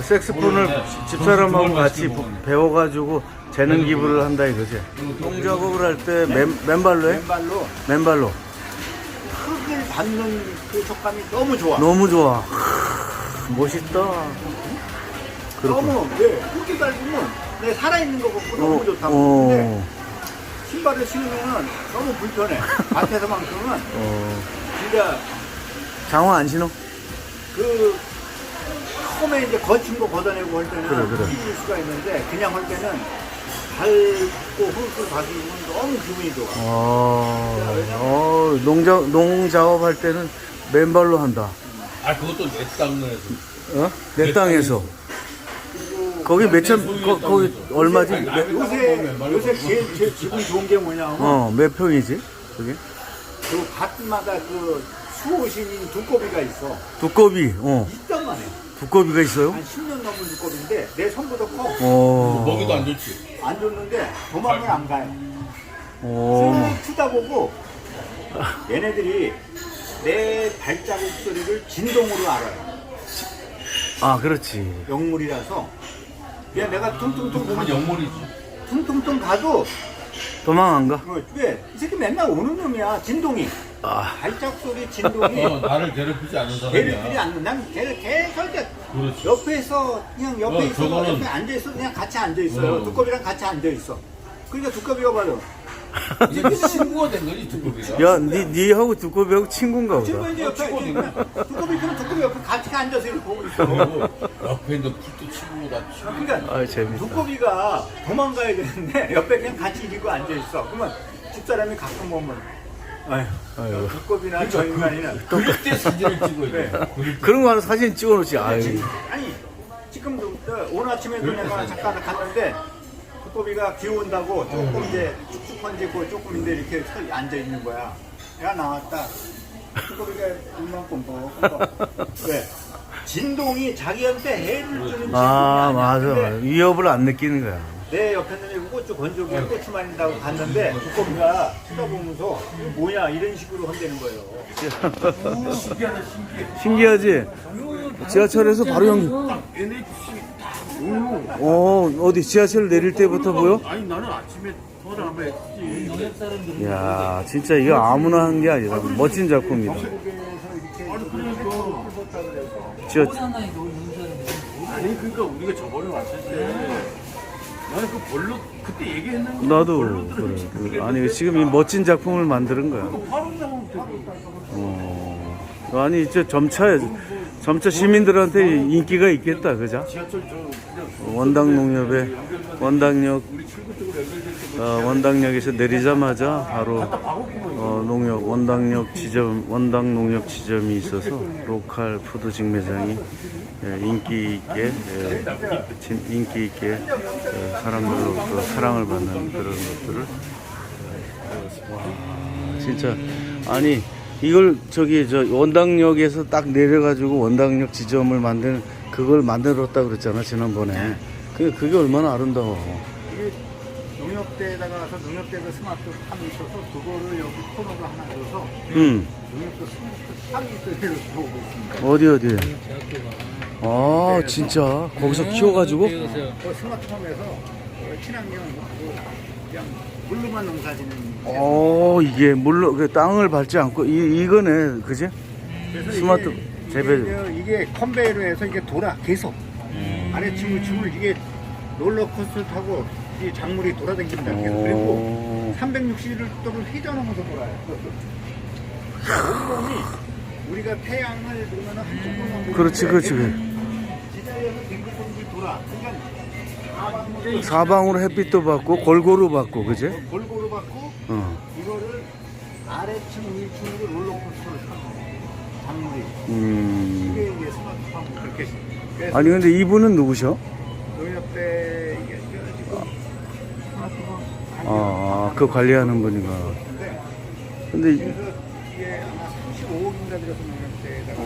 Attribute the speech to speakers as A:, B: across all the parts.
A: 색스폰을 집사람하고 같이 배워가지고 재능 기부를 한다 이거지. 농작업을 할 때 맨발로 해? 맨발로.
B: 흙을 밟는 그 촉감이 너무 좋아.
A: 너무 좋아. 멋있다.
B: 너무 흙이 밟으면 내 살아있는 거 같고 너무 좋다고. 근데 신발을 신으면 너무 불편해. 밭에서만큼은 진짜
A: 장화 안 신어?
B: 그 처음에 이제 거친 거 걷어내고 할 때는
A: 그래.
B: 찢을 수가 있는데 그냥 할 때는 밟고 흙을 밟으면 너무 기분이 좋아.
A: 농작업 할 때는 맨발로 한다.
C: 아, 그것도 내 땅에서.
A: 어? 내 땅에서. 거기 거기 얼마지?
B: 요새 제일 기분 좋은 게 뭐냐면
A: 몇 평이지? 그게?
B: 그 밭마다 그 수호신인 두꺼비가 있어.
A: 두꺼비,
B: 있단만 해.
A: 두꺼비가 있어요?
B: 한 10년 넘은 두꺼비인데 내 손보다 커.
C: 먹이도 안 좋지.
B: 안 줬는데 도망을 안 가요.
A: 오.
B: 추다 보고 얘네들이 내 발자국 소리를 진동으로 알아요.
A: 아, 그렇지.
B: 영물이라서 그냥 내가 퉁퉁퉁
C: 보면 영물이지.
B: 퉁퉁퉁 가도
A: 도망 안 가?
B: 왜? 이 새끼 맨날 오는 놈이야. 진동이. 발자국 소리 진동이.
C: 나를 괴롭히지 않는 사람이야.
B: 걔네들이 안, 난 걔를 계속 이렇게
C: 그렇지.
B: 옆에서 그냥 옆에 있어.
C: 저거는-
B: 옆에 앉아 있어. 그냥 같이 앉아 있어요. 두꺼비랑 같이 앉아 있어. 그러니까 두꺼비가 봐요.
C: 이제 친구가 된 거지, 두꺼비가.
A: 야, 니하고 두꺼비하고 친구인가
B: 지금
A: 보다.
B: 이제 옆에 두꺼비 그냥 두꺼비 옆에 같이 앉아서 이렇게 보고 있어.
C: 그리고 옆에 있는 풀도 친구다.
B: 그러니까
A: 아, 재밌다.
B: 두꺼비가 도망가야 되는데 옆에 그냥 같이 이러고 앉아 있어. 그러면 집사람이 가끔 보면 아휴, 두꺼비나 저 인간이는
C: 그럴 때 사진을 찍어야 돼.
B: 네.
A: 그런 거 하나 사진 찍어놓지. 아유.
B: 아니 지금도 오늘 아침에도 내가 잠깐 갔는데 두꺼비가 비 온다고 조금 이제 쭉쭉 번지고 조금 이제 이렇게 서 앉아 있는 거야. 야 나왔다. 두꺼비가 이만큼 왜? 진동이 자기한테 해를 주는 진동이
A: 아,
B: 아니야.
A: 맞아.
B: 근데
A: 위협을 안 느끼는 거야.
B: 내 옆에 있는 고추 건조기에 고추 말린다고 갔는데 두꺼비가 쳐다보면서 이거 뭐야 이런 식으로 한다는 거예요.
A: 신기하지? 지하철에서 바로 연기. 어디 지하철 내릴 때부터 보여?
D: 아니 나는 아침에 전화 한번 했지.
A: 야, 진짜 이거 아무나 한 게 아니라 멋진 작품이다.
D: 아니 그러니까 아니 그러니까 우리가 저번에 왔을 때 나는 그 별로 그때 얘기했는데
A: 나도 그래. 아니 지금 이 멋진 작품을 만드는 거야.
D: 바로 나오면 되고.
A: 아니 이제 점차 시민들한테 인기가 있겠다, 그죠?
D: 지하철 저 그냥
A: 원당농협에 원당역에서 내리자마자 바로 원당농협 지점이 있어서 로컬 푸드 직매장이 인기 있게 사람들로부터 사랑을 받는 그런 것들을 와, 진짜 아니 이걸 원당역에서 딱 내려가지고 원당역 지점을 그걸 만들었다 그랬잖아 지난번에. 그게 얼마나 아름다워.
B: 이게 농협대에다가 가서 농협대에서 스마트팜이 있어서 그거를 여기 코너로 하나 줘서 농협도 스마트팜이 있어서 보고 있습니다.
A: 어디? 아, 진짜 거기서 키워가지고?
B: 그 스마트팜에서 친환경 그냥 물로만 농사짓는.
A: 이게 물로 그 땅을 밟지 않고 이거네, 그지?
B: 그래서
A: 스마트 재배.
B: 이게 컨베이로 해서 이게 돌아 계속 아래층을 이게 롤러코스터 타고 이 작물이 돌아다닙니다. 계속. 그리고 360도를 휘저으면서 돌아요. 온몸이 우리가 태양을 보면 한쪽만 보면
A: 그렇지.
B: 지자리에서 빙글빙글 돌아. 그러니까
A: 사방으로 햇빛도 받고 골고루 받고, 그지?
B: 골고루 받고 이거를 아래층 위층으로 롤러코스터를 타고 작물이. 이게 이제 스마트팜 그렇게.
A: 아니 근데 이분은 누구셔?
B: 농협대 이게 지금 스마트팜
A: 그 관리하는 분인가. 근데
B: 그래서 이게 아마 35억인가 들어서 농협대에다가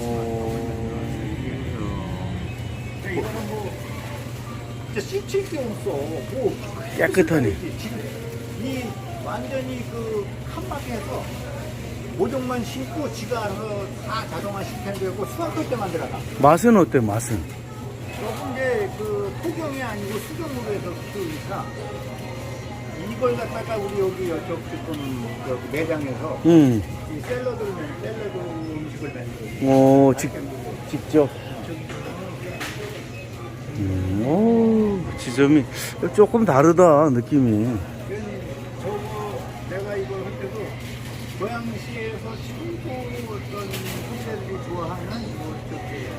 B: 이거는 뭐 진짜 씻을 게 없어. 뭐
A: 깨끗하네.
B: 지금 이 완전히 그 칸막이에서 모종만 심고 지가 알아서 다 자동화 시스템 되고 수확할 때만 들어가.
A: 맛은 어때? 맛은?
B: 조금 이제 그 토경이 아니고 수경으로 해서 키우니까 이걸 갖다가 우리 여기 여쪽 지금 여기 매장에서 이 샐러드 음식을 만들고
A: 오, 직접. 오, 지점이 조금 다르다, 느낌이.
B: 저거 내가 이걸 할 때도 고양시에서 최고 어떤 후세들이 좋아하는 뭐 저기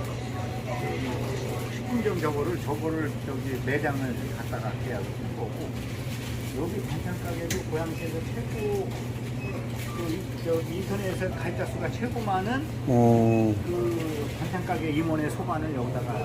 B: 식품점 저거를 저기 매장을 갖다가 계약을 한 거고 여기 반찬 가게도 고양시에서 최고 저기 인터넷에서 가입자 수가 최고 많은 그 반찬 가게 임원의 소반을 여기다가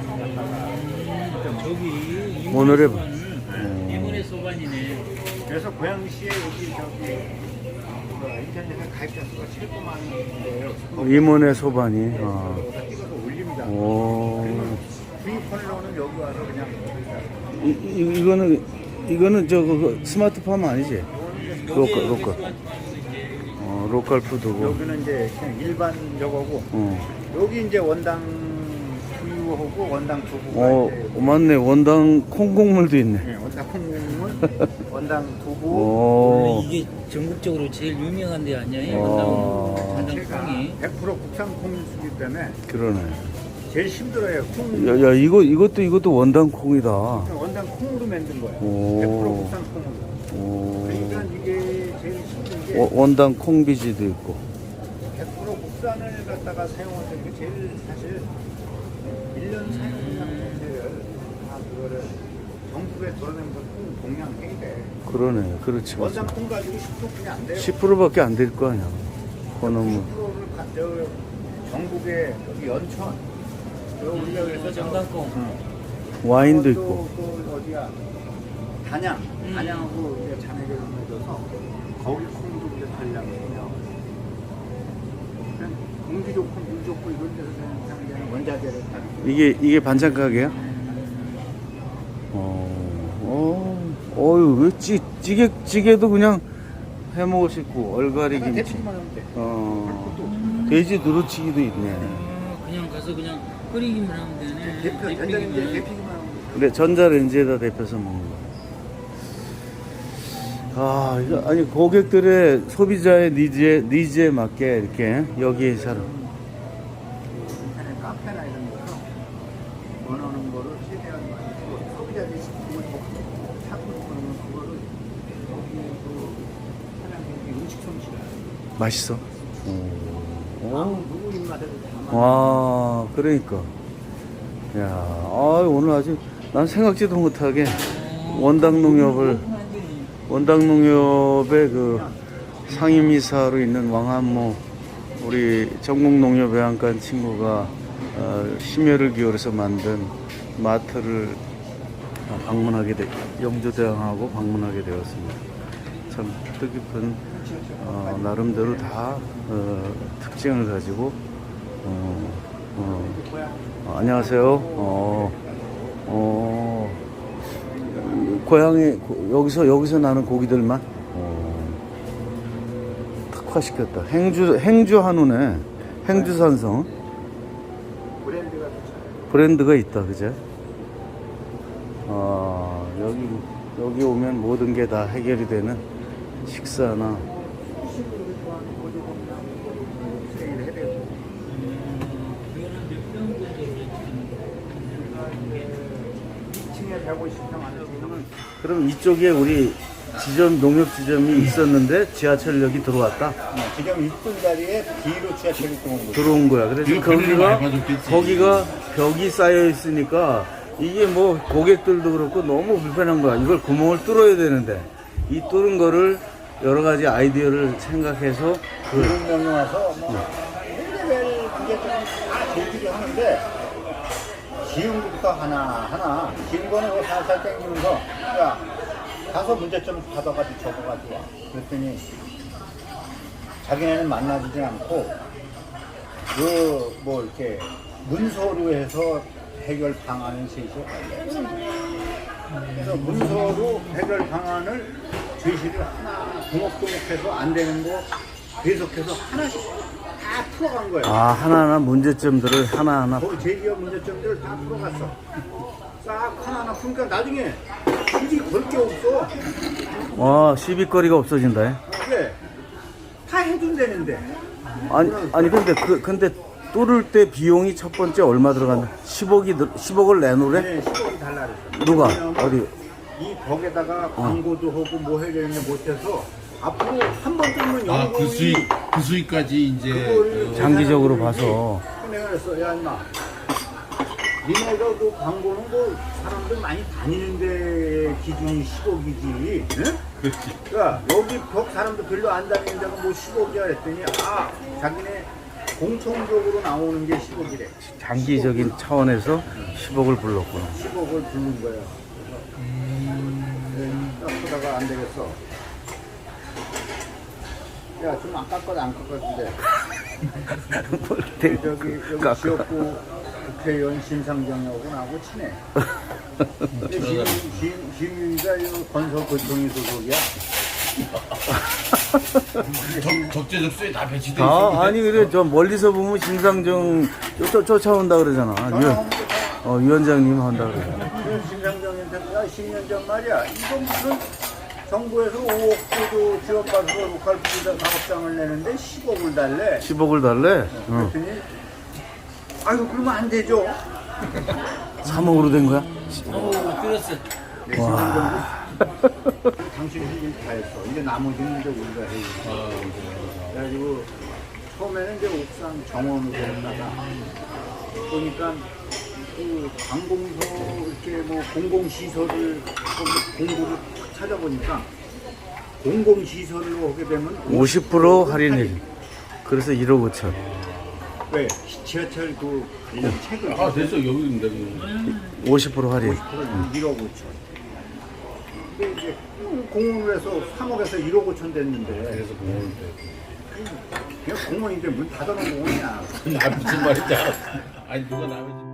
D: 저기
A: 오늘의
D: 이문의 소반이네.
B: 그래서 고양시에 여기 저기 인터넷에 가입자 수가 최고 많은데요.
A: 임원의 소반이.
B: 여기다 찍어서 올립니다.
A: 오.
B: 구입하려는 여기 와서 그냥
A: 이거는 그 스마트팜 아니지? 로컬. 로컬 푸드고.
B: 여기는 이제 그냥 일반 저거고 여기 이제 원당 두유하고 원당 두부가 이제
A: 맞네. 원당 콩국물도 있네.
B: 네, 원당 콩국물, 원당 두부.
A: 오.
D: 이게 전국적으로 제일 유명한 데 아니에요?
B: 제가
D: 원당콩이.
B: 100% 국산 콩이기 때문에
A: 그러네.
B: 제일 힘들어요. 콩.
A: 야, 이것도 원당 콩이다.
B: 원당 콩으로 만든 거예요.
A: 오.
B: 100% 국산 콩으로.
A: 오.
B: 그러니까 이게 제일 힘든 게
A: 원당 콩비지도 있고.
B: 100% 국산을 갖다가 사용하는 게 제일 사실 1년 사용량 자체를 다 그거를 정부에 돌아내면서 콩 동량해야 돼.
A: 그러네. 그렇지.
B: 원당 콩 가지고 10%뿐이 안 돼요.
A: 10%밖에 안 될 거 아니야. 그놈은.
B: 10%를 전국에 여기 연천 우리가 그래서
D: 정당콩.
A: 와인도 있고.
B: 또 어디야 단양하고 이제 자매를 맺어서 거기 콩도 이제 전량이고요. 그냥 공기 좋고 물 좋고 이런 데서 그냥 원자재를 다
A: 이게 반찬 가게야? 어유 왜 찌개도 그냥 해 먹을 수 있고 얼갈이 김치.
B: 대충만 하면 돼.
A: 돼지 누르치기도 있네.
D: 그냥 가서 그냥 끓이기만 하면 되네.
B: 전자레인지에 데피기만 하면 돼.
A: 근데 전자레인지에다 데펴서 먹는 거야. 이거 아니 고객들의 소비자의 니즈에 맞게 이렇게 여기 사람.
B: 인터넷 카페나 이런 데서 원하는 거를 최대한 많이 주고 소비자들이 식품을 찾고 그러면 그거를 거기에 그 사장님이 음식 솜씨가
A: 맛있어.
B: 누구 입맛에도 다 맞아.
A: 와, 그러니까. 야, 오늘 아주 난 생각지도 못하게 원당농협의 그 상임이사로 있는 왕한모 우리 전국농협외양간 친구가 심혈을 기울여서 만든 마트를 영조대왕하고 방문하게 되었습니다. 참 뜻깊은 나름대로 다 특징을 가지고 안녕하세요. 고향에 여기서 나는 고기들만 특화시켰다. 행주 한우네. 행주산성 브랜드가 있다, 그제? 여기 오면 모든 게 다 해결이 되는 식사나. 그럼 이쪽에 우리 농협 지점이 있었는데 지하철역이 들어왔다?
B: 지금 이쁜 자리에 뒤로 지하철이
A: 들어온 거야. 그래서 거기가 벽이 쌓여 있으니까 이게 뭐 고객들도 그렇고 너무 불편한 거야. 이걸 구멍을 뚫어야 되는데 이 뚫은 거를 여러 가지 아이디어를 생각해서
B: 그런 명이 와서 헬레벨 그게 좀다 제기를 하는데 지은 것부터 하나 지은 거는 살살 땡기면서 야 가서 문제점 받아가지고 적어가지고 와. 그랬더니 자기네는 만나지지 않고 뭐 이렇게 문서로 해서 해결 방안을 제시해. 그래서 문서로 해결 방안을 제시를 하나 두목두목해서 안 되는 거 계속해서 하나씩 다 풀어간 거예요.
A: 하나하나 문제점들을 하나하나
B: 그 제기어 문제점들을 다 풀어갔어. 싹 하나하나 그러니까 나중에 굳이 걸 게 없어.
A: 와, 시비거리가 없어진다.
B: 그래. 다 해준다는데.
A: 아니 근데 뚫을 때 비용이 첫 번째 얼마 들어간다? 10억을 내놓으래?
B: 네, 10억이 달라 그랬어.
A: 누가?
B: 왜냐면
A: 어디?
B: 이 벽에다가 광고도 하고 뭐 해야 되는데 못해서 앞으로 한 번 뜨면
C: 아,
B: 연구이
C: 그 수익까지 이제
B: 그걸
A: 장기적으로
B: 계산해
A: 봐서.
B: 내가 그랬어. 야 임마 니네가 그 광고는 뭐 사람들 많이 다니는데 기준이 10억이지 응?
C: 그렇지.
B: 그러니까 여기 벽 사람들 별로 안 다니는 데가 뭐 10억이야 그랬더니 아 자기네 공통적으로 나오는 게 10억이래.
A: 장기적인 차원에서 10억을 불렀구나.
B: 10억을 부른 거야. 딱 보다가 안 되겠어. 야, 좀 안 깎아도 안 깎았는데. 여기 지역구 국회의원 심상정하고 나하고 친해. 지휘가 건설 고총이 소속이야.
C: 적재적소에 다 배치돼 있어.
A: 아니 그래 저 멀리서 보면 심상정 쫓아온다 그러잖아. 위원장님 한다 그래.
B: 심상정한테 야 10년 전 말이야. 이거 무슨 정부에서 5억 조도 지원받아서 로컬 부자 사업장을 내는데 10억을 달래.
A: 10억을 달래? 응.
B: 그랬더니 아이고 그러면 안 되죠.
A: 3억으로 된 거야?
C: 끊었어.
B: 네, 당신이 일 다 했어. 이제 나머지는 이제 우리가 해야지. 그래가지고 처음에는 이제 옥상 정원으로 했다가 보니까 그 관공서 이렇게 뭐 공공시설을 공부를 찾아보니까 공공시설로 하게 되면
A: 50% 할인해. 그래서 1억 5천.
B: 왜? 지하철 그 관련 책을
C: 아, 됐어. 여기입니다.
A: 50% 할인.
B: 1억 5천. 근데 이제 공원을 해서 3억에서 1억 5천 됐는데
C: 그래서 공원을 때.
B: 그냥 공원인데 문 닫아놓은 공원이야.
C: 아, 무슨 말인지 알았어. 아니, 누가 남의 집.